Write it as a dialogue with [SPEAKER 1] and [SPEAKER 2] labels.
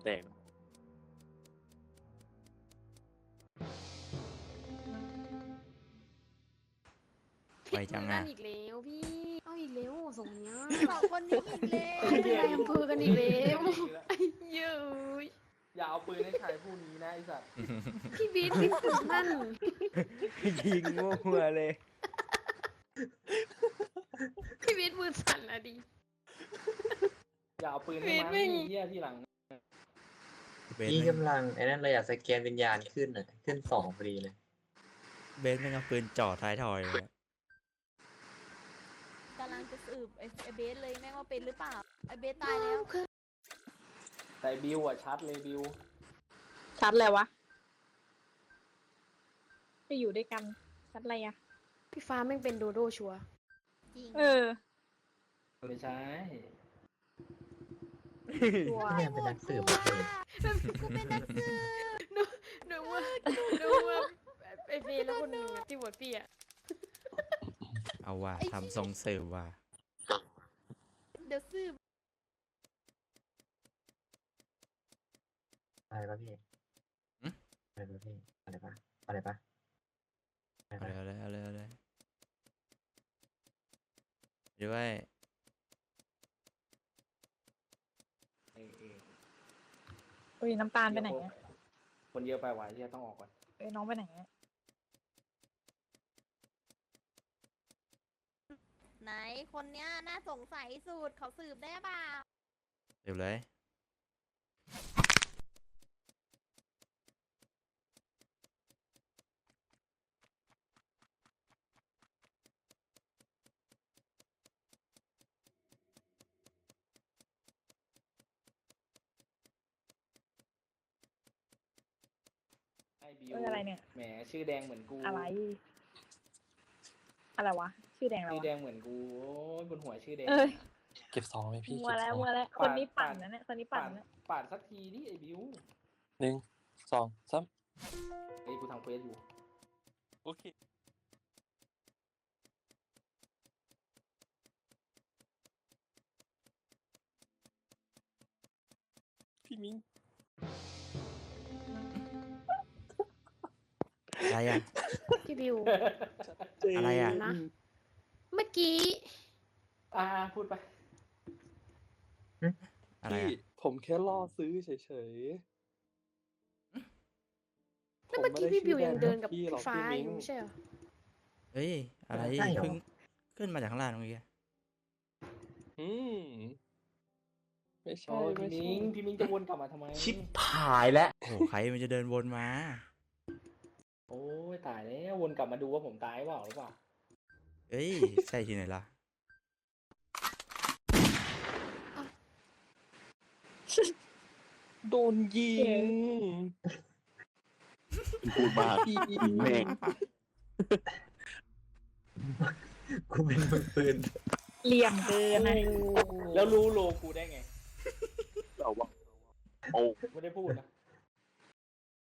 [SPEAKER 1] แตก
[SPEAKER 2] ไวจัง
[SPEAKER 3] นั่
[SPEAKER 2] อ่ะ
[SPEAKER 3] นอีกแล้วพี่เอาอีกแล้วส่งเนี้ย
[SPEAKER 4] สองคนนี้อีกแล้ว
[SPEAKER 3] เป็นนายอำเภอกันอีกแล้วไอ้เย้ย
[SPEAKER 5] อย่าเอาปืนให้ใครผู้นี้นะไอ้สัตว์
[SPEAKER 3] พี่บีทพี่ปืนนั่น
[SPEAKER 2] ยิงมั่วเลย
[SPEAKER 3] พี่บีทมือสั่นอะดิ
[SPEAKER 5] อย่าเอาปืนให้
[SPEAKER 3] เวท
[SPEAKER 5] มัน
[SPEAKER 3] แม่ง
[SPEAKER 5] เหี้ยที่หลัง
[SPEAKER 2] เบส
[SPEAKER 6] พี่
[SPEAKER 2] แม่ง
[SPEAKER 6] กำลังไอ้นั่นเลยอยากสแกนวิญญาณขึ้นอ่ะขึ้น2พอดีเลย
[SPEAKER 2] เบสแม่งเอาปืนจ่อท้ายทอยเลยอะ
[SPEAKER 4] กำลังจะสืบไอ้เบสเลยแม่งว่าเป็นหรือเปล่าไอ้เบสตายแล้ว
[SPEAKER 5] แต่บิวอ่ะชัดเลยบิว
[SPEAKER 7] ชัดเลยวะไปอยู่ด้วยกันชัดอะไรอะ
[SPEAKER 3] พี่ฟ้าแม่งเป็นโดโดชัวร์
[SPEAKER 4] จริง
[SPEAKER 7] เออ
[SPEAKER 5] ไม่ใช่
[SPEAKER 7] ตัว
[SPEAKER 6] พี่แม่งเป็นนักสืบหมดเลย
[SPEAKER 4] กูเป็นนักสืบ
[SPEAKER 3] หนูว่าไอ้เฟย์แล้วคนหนึ่งอะที่บวชพี่อะ
[SPEAKER 2] เอาว่ะทำทรงเสิร์ฟว่ะ
[SPEAKER 4] เดี๋ยวสืบ
[SPEAKER 6] อะไรปะพี่อะไรปะพี่อะไรปะอะไรปะอะไร
[SPEAKER 2] เอา
[SPEAKER 6] ปะ
[SPEAKER 2] เลยเอาเลยเอาเลยด้วย
[SPEAKER 7] เอ้ยน้ำตาลไปไหนอะ
[SPEAKER 5] คนเยอะไปว่ะเหี้ยต้องออกก่อน
[SPEAKER 7] เอ้ยน้องไปไหนอะ
[SPEAKER 4] ไหนคนเนี้ยน่าสงสัยสุดเขาสืบได้เปล่า
[SPEAKER 2] เดี๋ยวเลย
[SPEAKER 5] ไอ้บิว
[SPEAKER 7] เอ้ยอะไรเนี่ย
[SPEAKER 5] แหมชื่อแดงเหมือนกู
[SPEAKER 7] อะไร อะไรวะ ชื่อแดงอะไร
[SPEAKER 5] ชื่อ
[SPEAKER 7] วะ
[SPEAKER 5] แดงเหมือนกูโอ้ยบนหัวชื่อแดง
[SPEAKER 7] เอ้ย
[SPEAKER 1] เก็บ2ไหมพี่
[SPEAKER 7] มัว
[SPEAKER 1] เก็บ
[SPEAKER 7] แล้ว
[SPEAKER 1] 2
[SPEAKER 7] มัวแล้วคนนี้ปั่นนะเนี่ยคนนี้ปั่น
[SPEAKER 5] ปาด
[SPEAKER 7] นะ
[SPEAKER 5] ปาดสักทีดิไอ้บิว
[SPEAKER 1] 1 2 3
[SPEAKER 5] ไอ้ยกูทำเควสอยู่
[SPEAKER 1] โอเคพี่มิ้ง
[SPEAKER 2] อะไรอ่ะ
[SPEAKER 3] พี่บิว
[SPEAKER 2] อะไรอ่ะ
[SPEAKER 3] นะ เมื่อกี้
[SPEAKER 5] พูดไป
[SPEAKER 2] อะไร
[SPEAKER 1] พี่
[SPEAKER 2] อ่ะ
[SPEAKER 1] ผมแค่ล่อซื้อเฉย
[SPEAKER 3] แล้วเมื่อกี้พี่บิวยังเดินกับ
[SPEAKER 1] พี่
[SPEAKER 3] พี่
[SPEAKER 1] หรอก
[SPEAKER 3] ฟ้า
[SPEAKER 1] พี่มิ้
[SPEAKER 3] อง ยู่ไม่ใช่เหรอ
[SPEAKER 2] เฮ้ยอะไร
[SPEAKER 6] ใช่เหรอ
[SPEAKER 2] เพิ่งขึ้นมาจากข้างล่างเมื่อกี้
[SPEAKER 1] อืมไม่ใช่
[SPEAKER 5] โอ้ย
[SPEAKER 1] ไม่
[SPEAKER 5] พี่
[SPEAKER 1] ใช่
[SPEAKER 5] มิงพี่มิงจะวนกลับมาทำไม
[SPEAKER 6] ชิบหายแล้ว
[SPEAKER 2] โอ้โหใครมันจะเดินวนมา
[SPEAKER 5] โอ้ยตายแล้ววนกลับมาดูว่าผมตายเปล่าหรือเปล่า
[SPEAKER 2] เอ้ยใช่ที่ไหนล่ะ
[SPEAKER 1] โดนยิง
[SPEAKER 8] พูดมาก
[SPEAKER 1] พี่
[SPEAKER 8] แม่ง
[SPEAKER 6] กูเป็นมือปืน
[SPEAKER 7] เหลี่ยมเกินนะ
[SPEAKER 5] แล้วรู้โลกูได้ไง
[SPEAKER 8] เอาว่าโอ้
[SPEAKER 5] ไม่ได้พูดนะ